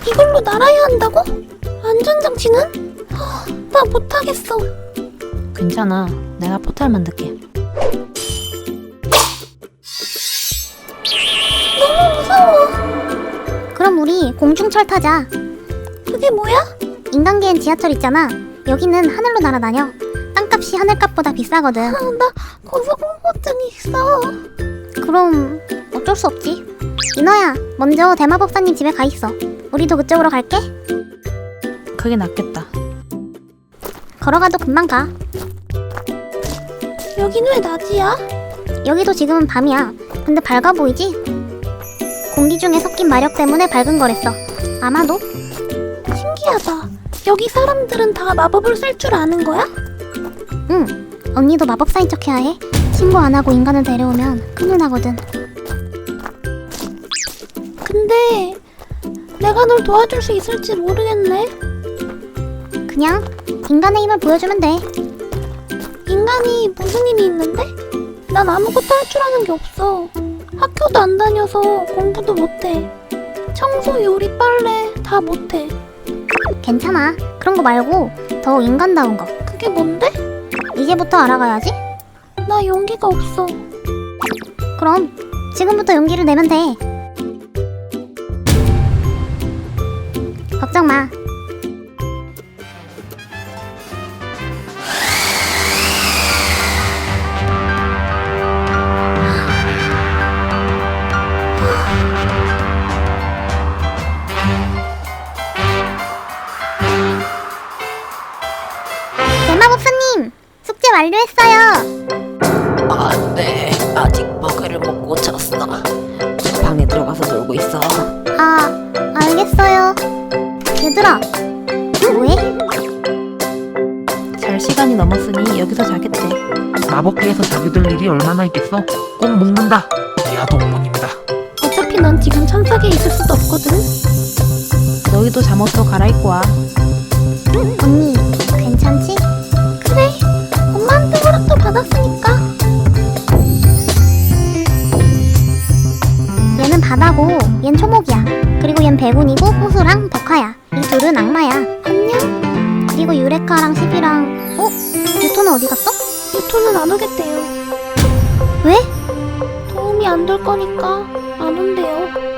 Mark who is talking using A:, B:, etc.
A: 이걸로 날아야 한다고? 안전장치는? 나 못하겠어.
B: 괜찮아. 내가 포탈 만들게.
A: 너무 무서워.
C: 그럼 우리 공중철 타자.
A: 그게 뭐야?
C: 인간계엔 지하철 있잖아. 여기는 하늘로 날아다녀. 땅값이 하늘값보다 비싸거든.
A: 나 고소공포증이 있어.
C: 그럼 어쩔 수 없지. 인어야, 먼저 대마법사님 집에 가 있어. 우리도 그쪽으로 갈게.
B: 그게 낫겠다.
C: 걸어가도 금방 가.
A: 여긴 왜 낮이야?
C: 여기도 지금은 밤이야. 근데 밝아 보이지? 공기 중에 섞인 마력 때문에 밝은 거랬어. 아마도?
A: 신기하다. 여기 사람들은 다 마법을 쓸 줄 아는 거야?
C: 응. 언니도 마법사인 척 해야 해. 신고 안 하고 인간을 데려오면 큰일 나거든.
A: 근데 내가 널 도와줄 수 있을지 모르겠네.
C: 그냥 인간의 힘을 보여주면 돼.
A: 인간이 무슨 힘이 있는데? 난 아무것도 할 줄 아는 게 없어. 학교도 안 다녀서 공부도 못해. 청소, 요리, 빨래 다 못해.
C: 괜찮아. 그런 거 말고 더 인간다운 거.
A: 그게 뭔데?
C: 이제부터 알아가야지.
A: 나 용기가 없어.
C: 그럼 지금부터 용기를 내면 돼. 걱정 마. 대마법사님! 숙제 완료했어요!
B: 안돼. 아직 버그를 못 고쳤어. 방에 들어가서 놀고 있어.
C: 알겠어요. 얘들아, 뭐해?
B: 잘 시간이 넘었으니 여기서 자겠지.
D: 마법계에서 자기들 일이 얼마나 있겠어? 꼭 먹는다. 내가 동문입니다.
A: 어차피 난 지금 천사계에 있을 수도 없거든.
B: 너희도 잠옷도 갈아입고 와.
C: 언니, 괜찮지?
A: 그래, 엄마한테 허락도 받았으니까.
C: 얘는 바다고, 얜 초목이야. 그리고 얜 배군이고 호수랑 덕화야. 이 둘은 악마야.
A: 안녕?
C: 그리고 유레카랑 시비랑 유토는 어디 갔어?
A: 유토는 안 오겠대요.
C: 왜?
A: 도움이 안 될 거니까 안 온대요.